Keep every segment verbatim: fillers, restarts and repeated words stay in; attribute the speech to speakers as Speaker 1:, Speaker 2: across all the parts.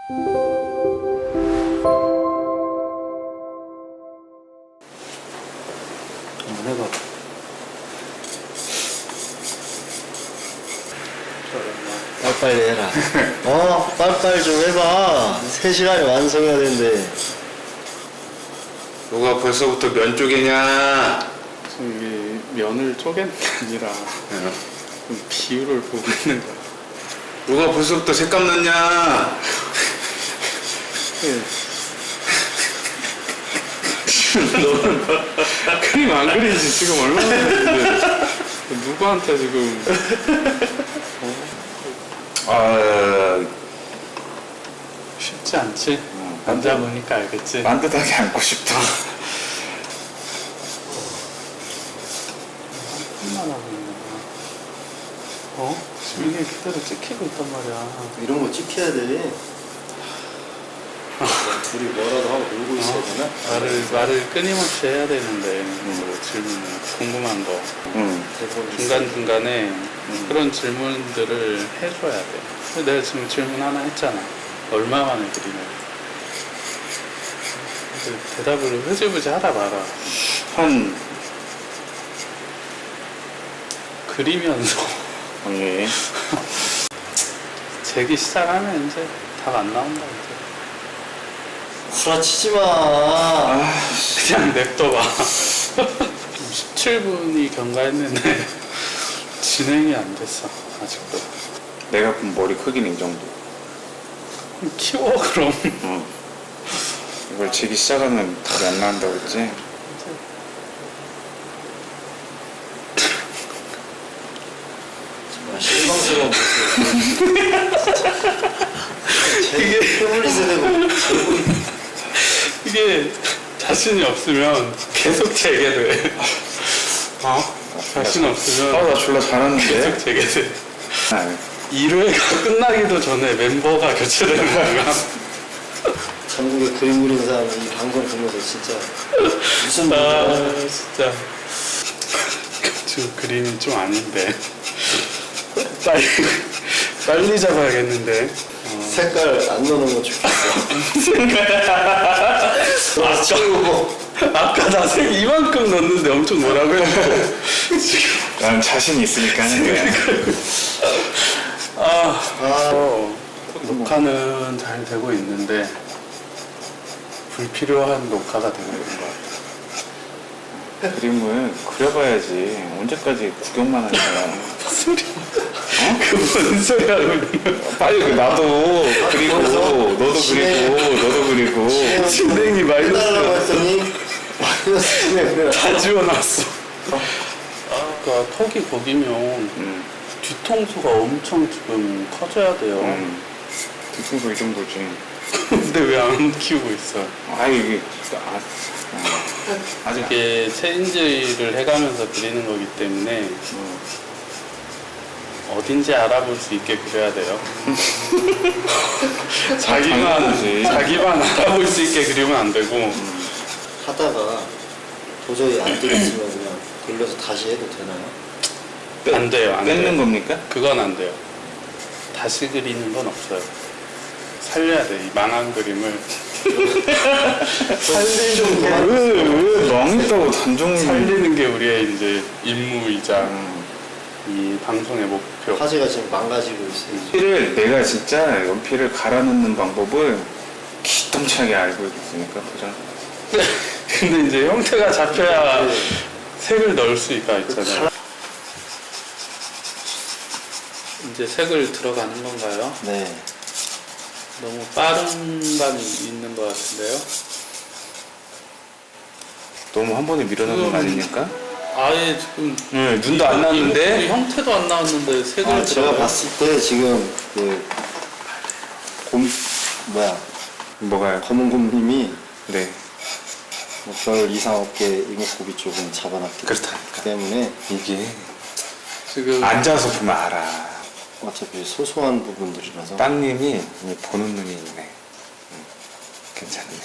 Speaker 1: 한번 해봐. 빨리빨리 해라. 어? 빨리빨리 좀 해봐. 세 시간에 완성해야 되는데.
Speaker 2: 누가 벌써부터 면 쪼개냐?
Speaker 3: 이게 면을 쪼개는 게 아니라 좀 비율을 보고 있는 거야.
Speaker 2: 누가 벌써부터 색감 넣냐?
Speaker 3: 너는 그림 안 그리지 지금 얼마나 됐는데 누구한테 지금
Speaker 2: 아,
Speaker 3: 쉽지 않지? 앉아보니까 알겠지?
Speaker 2: 만듯하게 앉고 싶다.
Speaker 3: 얼마나 하고 있는 거야? 어? 지금 이게 그대로 찍히고 있단 말이야.
Speaker 1: 이런 거 찍혀야 돼. 둘이 뭐라도 하고 놀고 있어야 되나?
Speaker 3: 말을, 말을 끊임없이 해야 되는데 뭐 질문을 궁금한 거
Speaker 2: 응.
Speaker 3: 중간중간에 음. 그런 질문들을 해줘야 돼. 근데 내가 지금 질문 하나 했잖아. 얼마 만에 그리냐. 근데 대답을 흐지부지 하다 말아.
Speaker 2: 한,
Speaker 3: 그리면서
Speaker 2: 예.
Speaker 3: 재기 시작하면 이제 답 안 나온다 이제.
Speaker 1: 후라치지 마.
Speaker 3: 그냥 냅둬봐. 십칠 분이 경과했는데 진행이 안 됐어 아직도.
Speaker 2: 내가 본 머리 크기는 이 정도.
Speaker 3: 키워 그럼.
Speaker 2: 응. 이걸 재기 시작하면 답이 안 나온다고 했지?
Speaker 1: 정말 실망스러운 모습. 이게 패블릿에 대고 제목이
Speaker 3: 이게 자신이 없으면 계속 재개돼. 어? 자신 없으면
Speaker 2: 아, 나 졸라 잘하는데?
Speaker 3: 계속 재개돼.
Speaker 2: 아,
Speaker 3: 일 회가 끝나기도 전에 멤버가 교체되는 거야.
Speaker 1: 전국에 그림 그리는 사람이 이 방송 보면서 진짜 무슨
Speaker 3: 아
Speaker 1: 일이야?
Speaker 3: 진짜 지금 그림이 좀 아닌데 빨리 빨리 잡아야겠는데. 어.
Speaker 1: 색깔 안 넣는 거 좋겠어. 아, 치우고.
Speaker 3: 아까 나 색 이만큼 넣었는데 엄청 뭐라고 했는데 지금
Speaker 2: 난 자신이 있으니까 하는 거야.
Speaker 3: 아,
Speaker 1: 아,
Speaker 3: 어, 녹화는 잘 되고 있는데 불필요한 녹화가 되고 있는 것 같아.
Speaker 2: 그림을 그려봐야지. 언제까지 구경만 하는 거야.
Speaker 3: 무슨 소리야? 어? 그뭔 소리 하고 있는 거야?
Speaker 2: 빨리 그 나도 그리고 너도 그리고 너도 그리고
Speaker 3: 진행이
Speaker 1: 해달라고
Speaker 3: 마이너스
Speaker 1: 했더니 마이너스 진행 그래.
Speaker 3: 다 지워놨어. 그러니까 턱이 거기면
Speaker 2: 음,
Speaker 3: 뒤통수가 엄청 지금 커져야 돼요.
Speaker 2: 음. 뒤통수 이 정도지.
Speaker 3: 근데 왜 안 키우고 있어?
Speaker 2: 아 이게 아, 아, 아직
Speaker 3: 이게 체인지를 해가면서 그리는 거기 때문에
Speaker 2: 음.
Speaker 3: 어딘지 알아볼 수 있게 그려야 돼요.
Speaker 2: 당연하지.
Speaker 3: 자기만 자기만 알아볼 수 있게 그리면 안 되고.
Speaker 1: 하다가 도저히 안 되겠으면 그냥 돌려서 다시 해도 되나요?
Speaker 3: 안 돼요. 안
Speaker 2: 뺏는
Speaker 3: 돼요.
Speaker 2: 겁니까?
Speaker 3: 그건 안 돼요. 다시 그리는 건 없어요. 살려야 돼. 이 망한 그림을 살리는 게
Speaker 2: 왜 망했다고 단정을
Speaker 3: 살리는 게 우리의 이제 임무이자
Speaker 2: 음.
Speaker 3: 이 방송의 목표.
Speaker 1: 화제가 지금 망가지고 있어요.
Speaker 2: 연필을 내가 진짜 연필을 갈아 넣는 방법을 기똥차게 알고 있으니까 보자.
Speaker 3: 근데 이제 형태가 잡혀야
Speaker 1: 네.
Speaker 3: 색을 넣을 수가 있잖아요. 이제 색을 들어가는 건가요?
Speaker 1: 네.
Speaker 3: 너무 빠른 감이 있는 것 같은데요?
Speaker 2: 너무 한 번에 밀어넣는 거 아닙니까?
Speaker 3: 아예 지금
Speaker 2: 네, 눈도 안
Speaker 3: 이-
Speaker 2: 나왔는데?
Speaker 3: 이 형태도 안 나왔는데 색을
Speaker 1: 아, 제가
Speaker 3: 들어가요?
Speaker 1: 봤을 때 지금 그 곰, 뭐야,
Speaker 2: 뭐가요?
Speaker 1: 검은 곰님이
Speaker 2: 네.
Speaker 1: 뭐 별 이상 없게 이목구비 쪽은 잡아놨기
Speaker 2: 그렇다니까.
Speaker 1: 때문에
Speaker 2: 이게
Speaker 3: 지금
Speaker 2: 앉아서 보면 알아.
Speaker 1: 어차피 소소한 부분들이라서
Speaker 2: 땅님이 이 보는 눈이 있네. 음, 괜찮네요.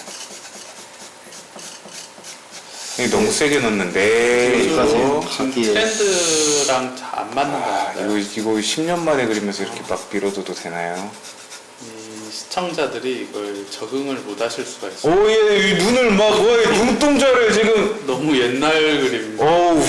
Speaker 2: 이게 너무 세게 넣는데
Speaker 1: 이거
Speaker 2: 이거
Speaker 1: 감기에
Speaker 3: 트렌드랑 잘 안 맞는 것
Speaker 2: 아,
Speaker 3: 같아요.
Speaker 2: 이거 이거 십 년 만에 그리면서 이렇게 막 밀어둬도 되나요?
Speaker 3: 이 시청자들이 이걸 적응을 못 하실 수가 있어요.
Speaker 2: 오예 눈을 막 와, 눈동자를 지금
Speaker 3: 너무 옛날 그림인데
Speaker 2: 어우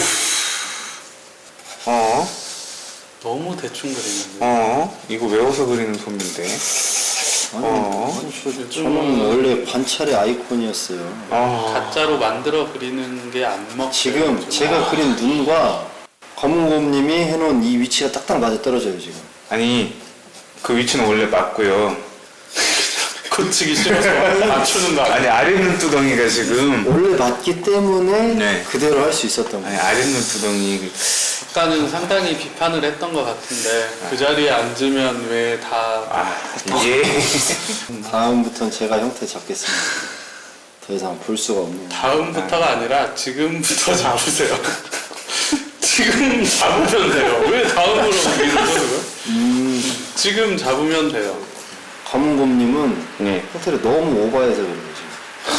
Speaker 2: 어?
Speaker 3: 너무 대충 그리는데
Speaker 2: 어? 이거 외워서 그리는 솜인데
Speaker 1: 아니,
Speaker 2: 어?
Speaker 1: 아니 저, 저는 원래 관찰의 아이콘이었어요.
Speaker 2: 아
Speaker 3: 가짜로 만들어 그리는 게 안 먹혀요.
Speaker 1: 지금
Speaker 3: 좀.
Speaker 1: 제가 그린 눈과 검은곰님이 해놓은 이 위치가 딱딱 맞아 떨어져요 지금.
Speaker 2: 아니 그 위치는 원래 맞고요.
Speaker 3: 고치기 싫어서 맞추는 거
Speaker 2: 아니
Speaker 3: 아니야?
Speaker 2: 아랫눈 두덩이가 지금
Speaker 1: 원래 맞기 때문에
Speaker 2: 네.
Speaker 1: 그대로 할 수 있었던
Speaker 2: 아니
Speaker 1: 거예요.
Speaker 2: 아랫눈 두덩이
Speaker 3: 아까는 상당히 비판을 했던 것 같은데 그 자리에 앉으면 왜 다
Speaker 2: 아 이게
Speaker 1: 다음부터는 제가 형태 잡겠습니다. 더 이상 볼 수가 없네요.
Speaker 3: 다음부터가 아니라 지금부터 잡으세요. 지금 잡으면 돼요. 왜 다음으로 옮기는 거예요?
Speaker 1: 음,
Speaker 3: 지금 잡으면 돼요.
Speaker 1: 검은곰님은
Speaker 2: 네.
Speaker 1: 형태를 너무 오버해서 그래요 지금.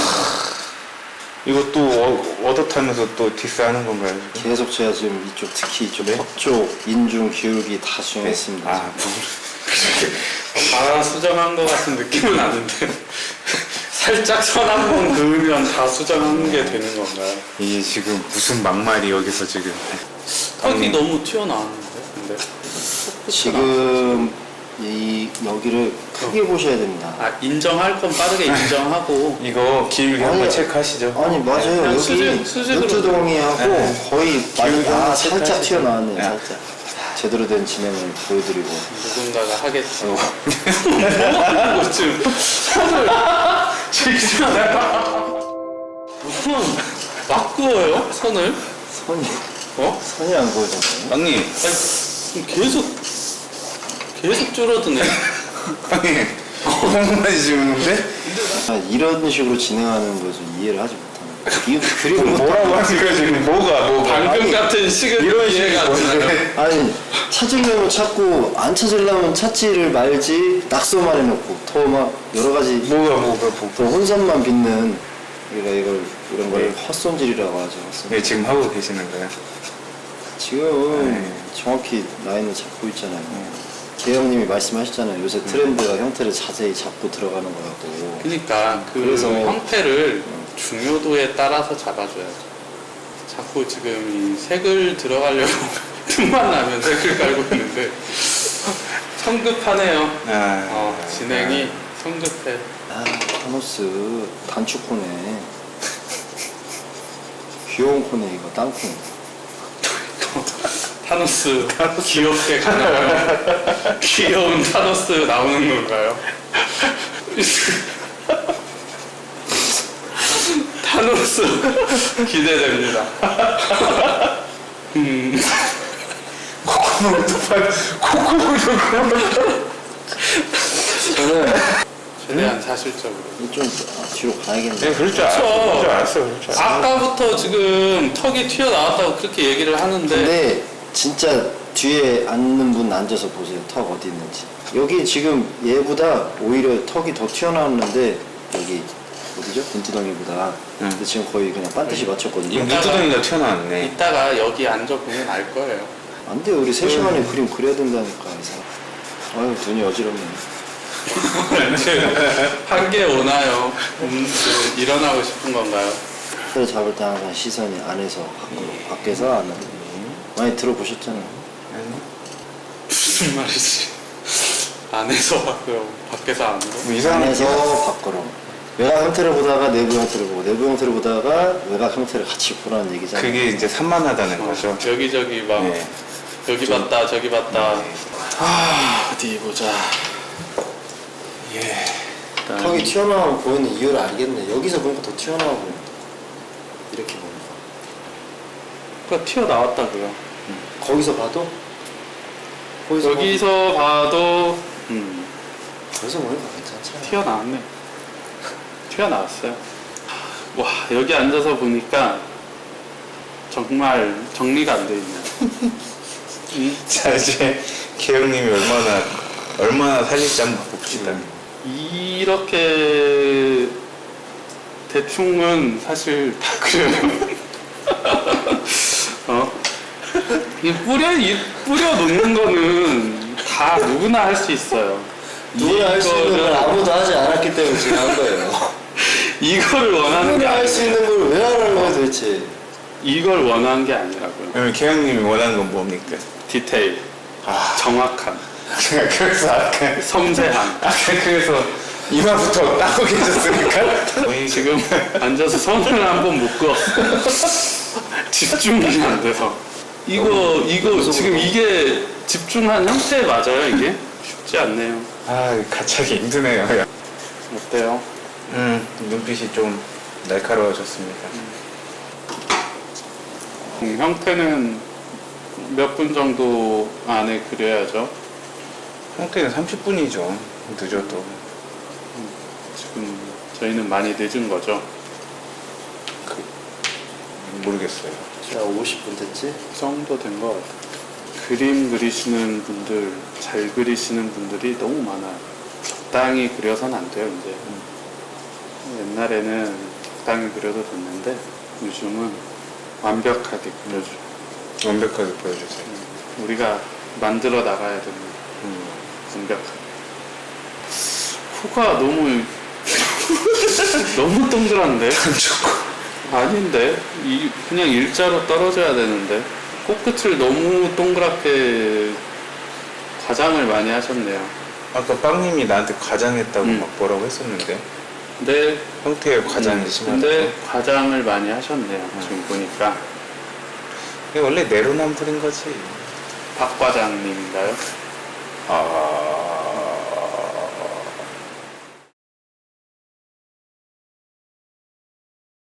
Speaker 2: 이것도 어, 얻어타면서 또 디스하는 건가요? 지금?
Speaker 1: 계속 제가 지금 이쪽 특히 이쪽
Speaker 2: 네?
Speaker 1: 턱 쪽, 인중, 기울기 다 수정했습니다.
Speaker 2: 아 뭐,
Speaker 3: 다 수정한 것 같은 느낌은 아닌데 살짝 선 한 번 그으면 다 수정한 게 되는 건가요?
Speaker 2: 이게 지금 무슨 막말이 여기서 지금
Speaker 3: 턱이
Speaker 2: 음.
Speaker 3: 너무 튀어나왔는데 근데
Speaker 1: 지금 이 여기를 크게 보셔야 됩니다.
Speaker 3: 아 인정할 건 빠르게 인정하고
Speaker 2: 이거 기울기
Speaker 1: 아니,
Speaker 2: 한번 체크하시죠?
Speaker 1: 아니 맞아요.
Speaker 3: 그냥
Speaker 1: 여기
Speaker 3: 수직- 수직으로
Speaker 1: 눈두덩이하고
Speaker 2: 네.
Speaker 1: 거의
Speaker 2: 기울기
Speaker 1: 아,
Speaker 2: 한번
Speaker 1: 살짝
Speaker 2: 체크하시죠.
Speaker 1: 튀어나왔네요.
Speaker 2: 네.
Speaker 1: 살짝. 제대로 된 진행을 보여드리고.
Speaker 3: 누군가가 하겠죠. 뭐 하는 거 지금 손을 지금 무슨 막 그어요? 손을?
Speaker 1: 선이
Speaker 3: 어?
Speaker 1: 선이 안 보이잖아요.
Speaker 2: 형님
Speaker 3: 아니, 계속 계속 줄어드네.
Speaker 2: 형님 콩콩만 씹는데?
Speaker 1: 아, 이런 식으로 진행하는 걸 좀 이해를 하지 못하는 거예요. 이 그림
Speaker 2: 뭐라고 하는 거야 지금 뭐가 뭐가
Speaker 3: 방금
Speaker 1: 아니,
Speaker 3: 같은 식은
Speaker 2: 이런
Speaker 3: 이해가
Speaker 2: 식이
Speaker 3: 안 나요.
Speaker 2: 뭔데?
Speaker 1: 아니 찾으려면 찾고 안 찾으려면 찾지를 말지 낙서만 해놓고 더 막 여러 가지
Speaker 2: 뭐가 뭐가 뭐가
Speaker 1: 더 혼선만 빚는 우리가 이걸 이런 걸
Speaker 2: 네.
Speaker 1: 헛손질이라고 하죠. 헛손질.
Speaker 2: 네 지금 하고 계시는 거예요?
Speaker 1: 지금
Speaker 2: 네.
Speaker 1: 정확히 라인을 잡고 있잖아요. 개영님이 말씀하셨잖아요. 요새 트렌드가 형태를 자세히 잡고 들어가는 거라고.
Speaker 3: 그러니까 그
Speaker 1: 그래서-
Speaker 3: 형태를 중요도에 따라서 잡아줘야죠. 자꾸 지금 이 색을 들어가려고 틈만 나면 색을 깔고 있는데 성급하네요.
Speaker 2: 아,
Speaker 3: 어, 진행이 성급해.
Speaker 1: 아, 타노스 단축코네. 귀여운 코네 이거 땅콩.
Speaker 3: 타노스 귀엽게 가나요? 귀여운 타노스 나오는 건가요? 타노스 기대됩니다. 음,
Speaker 2: 코코넛도 팔 코코넛도
Speaker 1: 저는
Speaker 3: 최대한 사실적으로.
Speaker 1: 좀 아, 뒤로 가야겠네.
Speaker 2: 네 그럴 줄 알았어 그럴 줄 알았어 그럴 줄 알았어
Speaker 3: 아까부터 지금 턱이 튀어나왔다고 그렇게 얘기를 하는데
Speaker 1: 근데 진짜 뒤에 앉는 분 앉아서 보세요. 턱 어디 있는지. 여기 지금 얘보다 오히려 턱이 더 튀어나왔는데 여기 어디죠? 눈두덩이보다.
Speaker 2: 응.
Speaker 1: 근데 지금 거의 그냥 반드시 맞췄거든요.
Speaker 2: 이 눈두덩이가 튀어나왔네
Speaker 3: 이따가 여기 앉아보면 알 거예요.
Speaker 1: 안 돼요. 우리 세 시간에 그림 그려야 된다니까. 이 사람. 아유 눈이 어지럽네.
Speaker 3: 한개 오나요? 음, 그 일어나고 싶은 건가요?
Speaker 1: 를 잡을 때 항상 시선이 안에서 밖으로, 밖에서 안으로. 많이 들어보셨잖아요.
Speaker 3: 무슨 말이지? 안에서 밖으로, 밖에서 안으로?
Speaker 2: 뭐 이상한
Speaker 1: 안에서 밖으로. 외곽 형태를 보다가 내부 형태를 보고 내부 형태를 보다가 외곽 형태를 같이 보라는 얘기잖아요.
Speaker 2: 그게 이제 산만하다는
Speaker 3: 어,
Speaker 2: 거죠
Speaker 3: 여기저기 막
Speaker 2: 네.
Speaker 3: 여기 봤다 저기 봤다.
Speaker 1: 아, 어디 보자.
Speaker 2: 예
Speaker 3: 일단
Speaker 1: 턱이 튀어나오면 보이는 이유를 알겠네. 여기서 보니까 더 튀어나와 보인다. 이렇게 보니까.
Speaker 3: 그러니까 튀어나왔다고요.
Speaker 1: 거기서 봐도? 거기서
Speaker 3: 여기서 봐도 음,
Speaker 1: 봐도, 거기서 보니까 괜찮잖아.
Speaker 3: 튀어나왔네. 튀어나왔어요. 와 여기 앉아서 보니까 정말 정리가 안 돼 있네요. 음,
Speaker 2: 자 이제 개영님이 얼마나 얼마나 살릴지 한번 봅시다
Speaker 3: 이렇게 대충은 사실 다 그려요. 어? 이 뿌려 이 뿌려 놓는 거는 다 누구나 할 수 있어요.
Speaker 1: 누구나 할 수 있는 걸 아무도 하지 않았기 때문에 지금 한 거예요.
Speaker 3: 이거를 원하는 게
Speaker 1: 누구나 할
Speaker 3: 아니
Speaker 1: 수 있는 걸 왜 하라고 도대체.
Speaker 3: 이걸 원하는 게 아니라고요.
Speaker 2: 그러면 개영님이 원하는 건 뭡니까?
Speaker 3: 디테일,
Speaker 2: 아,
Speaker 3: 정확한,
Speaker 2: 그래서 아까
Speaker 3: 섬세한.
Speaker 2: 아까 그래서 이마부터 따고 계셨으니까
Speaker 3: 지금 앉아서 손을 한 번 못 그었어. 집중이 안 돼서. 이거 이거 지금 이게 집중한 형태 맞아요 이게? 쉽지 않네요.
Speaker 2: 아 가차기 힘드네요.
Speaker 3: 어때요?
Speaker 2: 음 눈빛이 좀 날카로워졌습니다.
Speaker 3: 음, 형태는 몇 분 정도 안에 그려야죠.
Speaker 2: 형태는 삼십 분이죠. 늦어도.
Speaker 3: 지금 저희는 많이 늦은 거죠.
Speaker 2: 그, 모르겠어요.
Speaker 1: 자, 오십 분 됐지?
Speaker 3: 그 정도 된 것 같아요. 그림 그리시는 분들, 잘 그리시는 분들이 너무 많아요. 적당히 그려서는 안 돼요, 이제. 옛날에는 적당히 그려도 됐는데, 요즘은 완벽하게 그려줘요.
Speaker 2: 완벽하게 보여주세요.
Speaker 3: 우리가 만들어 나가야 되는
Speaker 2: 음.
Speaker 3: 완벽하게. 코가 너무, 너무 동그란데? 아닌데? 이, 그냥 일자로 떨어져야 되는데. 코끝을 너무 동그랗게 과장을 많이 하셨네요.
Speaker 2: 아까 빵님이 나한테 과장했다고
Speaker 3: 음.
Speaker 2: 막 뭐라고 했었는데
Speaker 3: 근데,
Speaker 2: 형태의 과장이
Speaker 3: 음,
Speaker 2: 심하다고.
Speaker 3: 근데 과장을 많이 하셨네요. 지금 보니까.
Speaker 2: 이게 원래 내로남불인 거지.
Speaker 3: 박 과장님인가요?
Speaker 2: 아